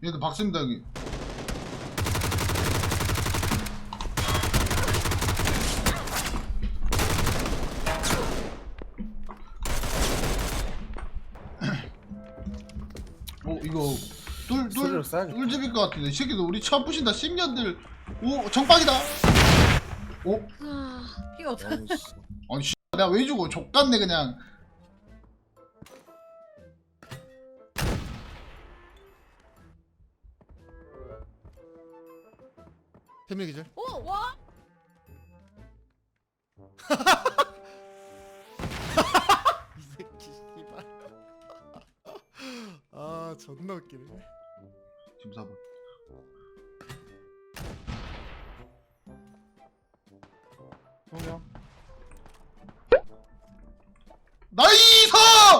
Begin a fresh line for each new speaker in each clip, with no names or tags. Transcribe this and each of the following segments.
얘들 박습니다 여기. 이거 뚫집일 것 같은데 이 새끼들 우리 처음 부신다. 10년들. 오 정박이다. 오
이게 어떡해.
아니 씨 내가 왜 죽어. 족같네 그냥.
태민 기절.
오 와.
이 새끼 씨발. 아 존나 웃기네.
지금 4번.
성경.
나이스!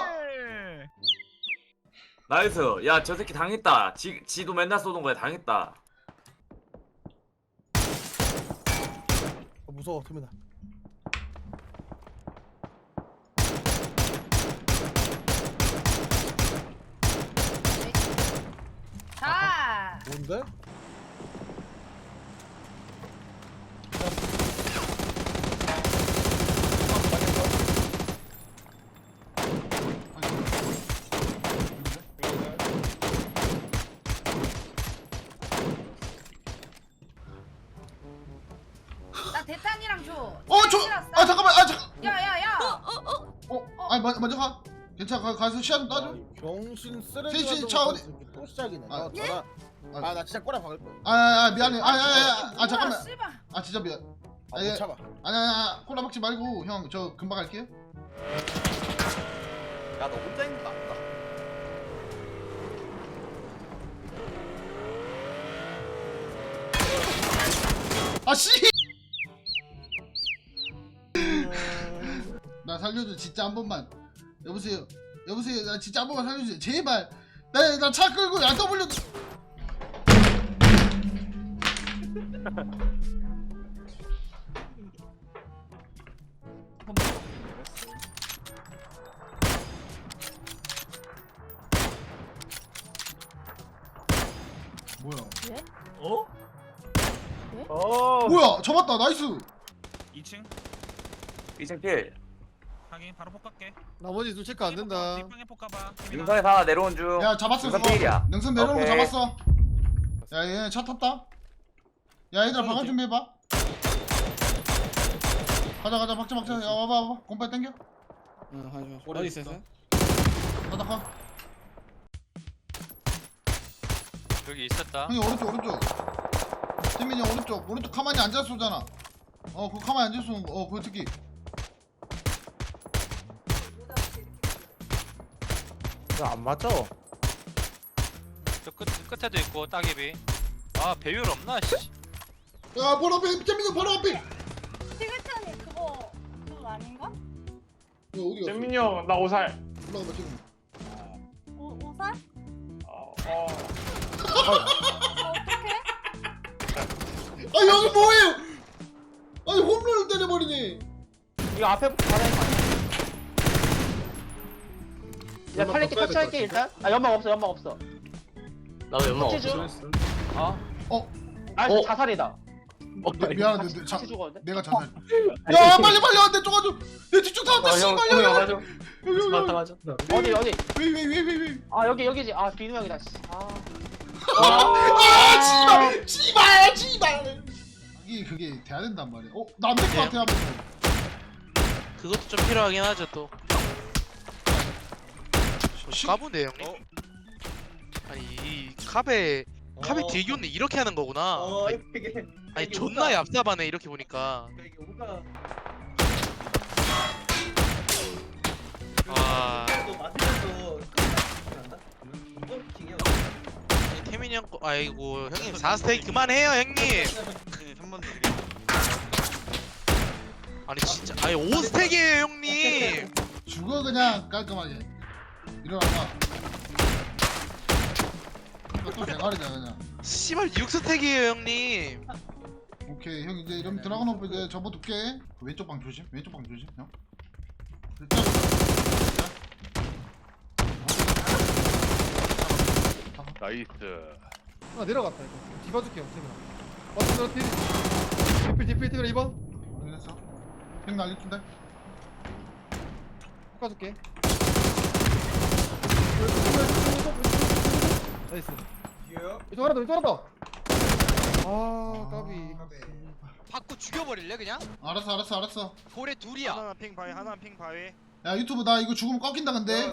나이스. 야, 저 새끼 당했다. 지도 맨날 쏘던 거야. 당했다.
무서워 태민아.
자.
뭔데?
나 대탄이랑 줘.
잠깐만.
야야야.
아니 먼저 가. 괜찮아. 가서 시야 좀 따줘.
병신
셋이
쓰레기
차 어디-
또 시작이네.
아,
나 진짜 꼬라 박을 거야.
미안해. 잠깐만.
씨발.
진짜 미안.
아,
예.
못 참아.
아니야. 콜라 먹지 말고 형 저 금방 갈게요.
야 너 혼자 있는 거 아니다.
씨. 나 살려줘 진짜 한 번만. 여보세요. 나 진짜 한 번만 살려주세요. 제발. 나 차 끌고 야 W. 뭐야?
어?
뭐야? 잡았다. 나이스.
2층
2층 필.
확인 바로 폭갈게.
나머지 둘 체크 안 된다.
뒷방에 폭가봐.
능선에서 하나 내려온 중.
야 잡았어.
능선
그거.
필이야.
능선 내려오는 거
오케이.
잡았어. 야 얘 차 탔다. 야 얘들아 방어 준비해봐. 가자 박자. 야 와봐. 공빨 땡겨.
어디 있어?
가다 가.
여기 있었다.
형이 오른쪽. 태민이 형 오른쪽 가만히 앉아 쏘잖아. 그거 가만히 앉아 쏘는 거. 그거 특히.
안 맞죠?
저 끝에도 있고 따개비. 아 배율 없나? 씨.
야 바로 앞에 태민이 바로 앞에.
티그탄이 그거 아닌가?
야 어디 갔어?
재민이 형 나 오살.
올라가봐 지금.
오살? 어떡해?
아 여기 뭐예요? 아니 홈런을 때려버리네.
이거 앞에 받아야 돼. 야 팔레트 터치할게 일단. 아 연막 없어.
나도 연막
터치 중. 아
어?
자살이다.
미안한데
같이 죽었는데?
내가 자살. 야 빨리 내 쪽아줘. 내 뒤쪽 나왔다. 씨발 야.
맞아.
여기.
어디?
왜?
아 여기지. 아 비누 형이다.
씨발. 그게 돼야 된단 말이야. 나 안 될 것 같아 한번.
그것도 좀 필요하긴 하죠 또. 까부네 형님. 아니 이 카베 뒤에 있네 이렇게 하는 거구나. 아니 존나 얍삽하네 이렇게 보니까. 아. 아니, 태민이 형 거, 아이고 형님 4스테이 그만해요 형님. 한번 더. 아니 진짜 아니 5스택이에요 형님.
죽어 그냥 깔끔하게. 일어나봐. 또 대가리다 그냥.
씨발 6스택이에요 형님.
오케이 형 이제 이러면 드라곤 오프 이제 접어둘게. 왼쪽 방 조심 형.
나이스. 하나 내려갔다 이거. 뒤봐줄게요 태민아. 맞다 디필 태민아 2번.
확인했어. 핑 날리던데.
깎아줄게. 나이스. 이쪽 하나 더 이쪽 하나 더. 아 까비.
받고 죽여버릴래 그냥?
알았어.
볼에 둘이야.
하나 핑 바위 하나 핑 바위.
야 유튜브 나 이거 죽으면 꺾인다 근데.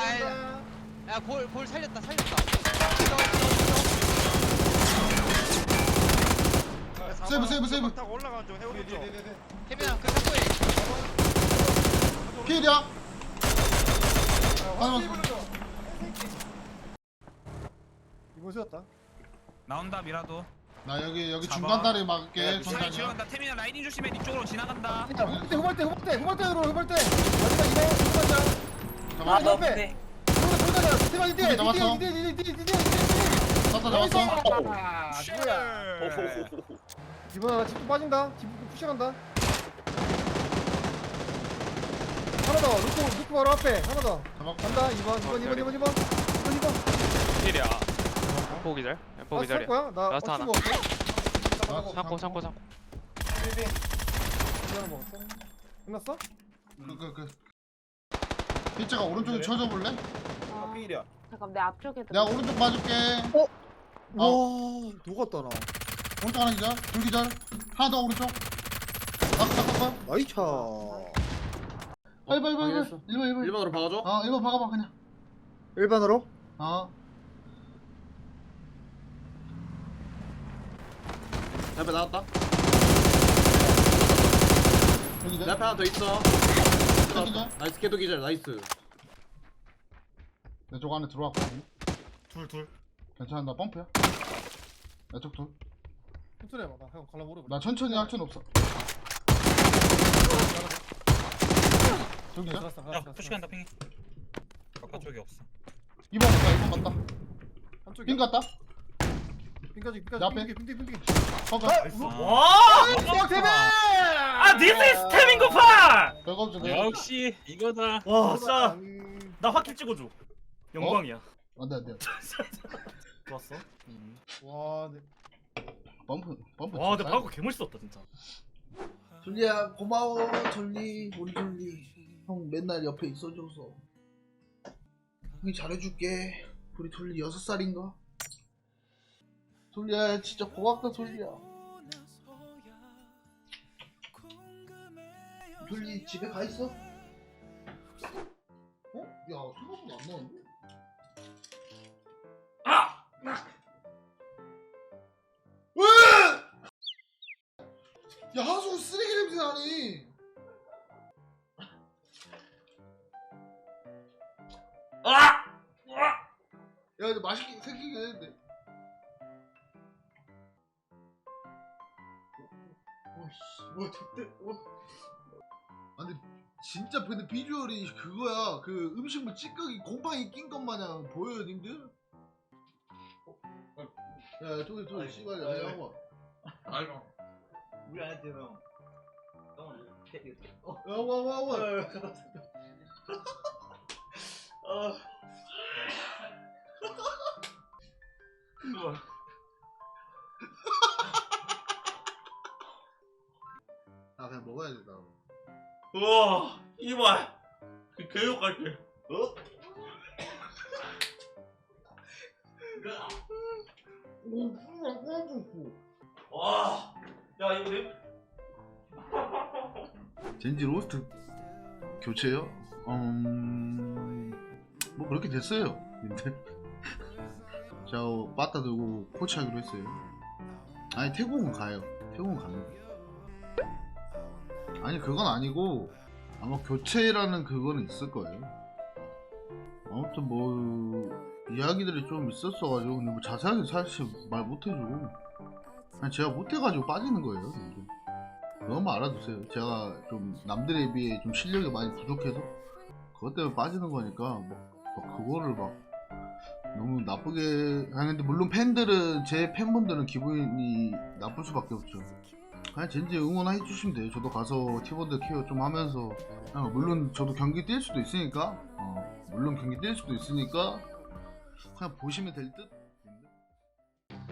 야볼 살렸다.
세이브.
타고 올라가는 중 해오는 중.
태민아 그 탁구해.
피해야. 맞아.
이번 세웠다.
나온다 미라도.
나 여기
잡아.
중간 다리 막을게.
사기
중간이야.
지원한다. 태민아 라이딩 조심해. 니 쪽으로 지나간다.
후발대. 마지막 2번
잡았어.
옆에. 대박 이대.
잡았어. 잡았어.
누구야? 이번 하나 집도 빠진다. 집 푸시간다. 하나 더. 루크 바로 앞에. 하나 더.
잡았고.
간다. 2번.
필이야. 엠포 기절. 엠포 기절이야.
거야? 나
라스트 하나.
먹었어.
창고.
하나 먹었어. 끝났어?
피자가 오른쪽에 쳐줘 볼래?
아, 잠깐 내 앞쪽에
내가 오른쪽 봐줄게.
와, 녹았다 나.
오른쪽 하나 기절, 둘 기절, 하나 더 오른쪽. 딱.
나이차.
빨리. 1번 박아줘. 1번 박아봐 그냥.
일반으로?
옆에 나왔다.
여기
내 앞에 하나 더 있어.
기절.
나이스 개도 기절 나이스.
내 쪽 안에 들어왔거든.
둘.
괜찮아 나 펌프야. 내 쪽 둘.
천천히 해봐. 나 형 갈라 모르고.
나 천천히 할 순 없어. 둘 기절.
야 푸시간다 핑이. 바깥쪽이 없어.
2번 갔다.
한쪽이.
핑 갔다.
핑까지.
내 앞에.
핑.
펑크.
와!
대박!
아 this is 스태밍 고파!
별거 없지.
역시 이거다.
와, 싸.
나 확킬 찍어줘. 영광이야.
안돼.
좋았어.
와, 네.
펌프.
와 근데 방금 개멋있었다 진짜.
졸리야 고마워 졸리 우리 졸리 형 맨날 옆에 있어줘서 형이 잘해줄게 우리 졸리 6살인가? 졸리야 진짜 고맙다 졸리야 졸리 집에 가 있어? 어? 야 생각보다 안 나왔는데? 왜? 야 하수 쓰레기 냄새 나니 야 근데 맛있게 생기긴 했는데 와씨 좋대 아니 진짜 근데 비주얼이 그거야 그 음식물 찌꺼기 곰팡이 낀 것 마냥 보여요 님들? 야 토이 씨발 야 한번
우리 안에 형.
와 아 그냥 먹어야 돼 나.
우와 이발. 교육 갈게. 와. 야 이거 내.
젠지 로스트 교체요? 뭐 그렇게 됐어요. 근데 저 빠따 들고 코치하기로 했어요. 아니 태국은 가요. 태국은 갑니다. 아니 그건 아니고 아마 교체라는 그거는 있을 거예요. 아무튼 뭐 이야기들이 좀 있었어가지고 근데 뭐 자세하게 사실 말 못해주고 그냥 제가 못해가지고 빠지는 거예요. 그것만 알아두세요. 제가 좀 남들에 비해 좀 실력이 많이 부족해서 그것 때문에 빠지는 거니까 뭐 그거를 막 너무 나쁘게 하는데 물론 팬들은 제 팬분들은 기분이 나쁠 수밖에 없죠. 그냥 젠지 응원해 주시면 돼요. 저도 가서 팀원들 케어 좀 하면서 물론 저도 경기 뛸 수도 있으니까 물론 경기 뛸 수도 있으니까 그냥 보시면 될 듯.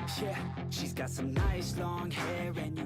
Yeah, she's got some nice long hair and you